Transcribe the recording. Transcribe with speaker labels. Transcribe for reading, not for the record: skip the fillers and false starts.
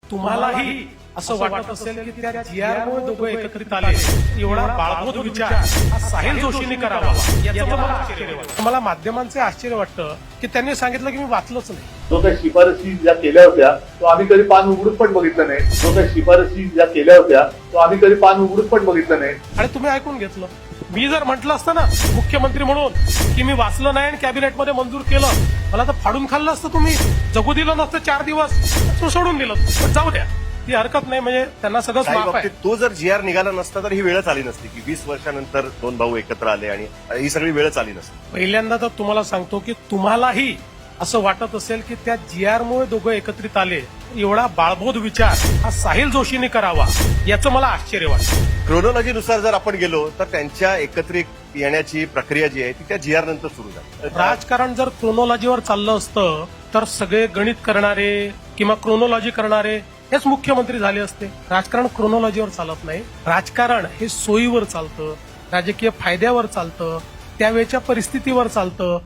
Speaker 1: तुम्हालाही असं वाटत असेल की त्या GR मुळे दोघं एकत्रित आले, एवढा बाळबोध विचार हा साहिल जोशींनी करावा याचं मला आश्चर्य वाटतं. मला माध्यमांचे आश्चर्य वाटतं की त्यांनी सांगितलं की मी वाचलंच नाही.
Speaker 2: जो काही शिफारसी ज्या केल्या होत्या तो आम्ही कधी पान उघडून पण बघितलं नाही. जो काही शिफारसी ज्या केल्या होत्या तो आम्ही कधी पान उघडून पण बघितलं नाही.
Speaker 1: आणि तुम्ही ऐकून घेतलं. मी जर म्हटलं असतं ना मुख्यमंत्री म्हणून की मी वाचलं नाही आणि कॅबिनेटमध्ये मंजूर केलं, मला तर फाडून खाल्लं असतं. तुम्ही जगू दिलं नसतं 4 दिवस, तो सोडून दिलं. पण जाऊ द्या, ती हरकत नाही. म्हणजे त्यांना सगळंच
Speaker 3: काही
Speaker 1: माफ आहे.
Speaker 3: बाबतीत तो जर GR निघाला नसता तर ही वेळच आली नसती की 20 वर्षानंतर 2 भाऊ एकत्र आले आणि ही सगळी वेळच आली नसती.
Speaker 1: पहिल्यांदा तर तुम्हाला सांगतो की तुम्हालाही असं वाटत असेल की त्या GR मुळे दोघं एकत्रित आले, एवढा बाळबोध विचार हा साहिल जोशींनी करावा याचं मला आश्चर्य वाटतं.
Speaker 3: क्रोनॉलॉजीनुसार जर आपण गेलो तर त्यांच्या एकत्रित येण्याची प्रक्रिया जी आहे ती त्या GR नंतर सुरू झाली.
Speaker 1: राजकारण जर क्रोनॉलॉजीवर चाललं असतं तर सगळे गणित करणारे किंवा क्रोनॉलॉजी करणारे हेच मुख्यमंत्री झाले असते. राजकारण क्रोनॉलॉजीवर चालत नाही. राजकारण हे सोयीवर चालतं, राजकीय फायद्यावर चालतं, त्यावेळच्या परिस्थितीवर चालतं.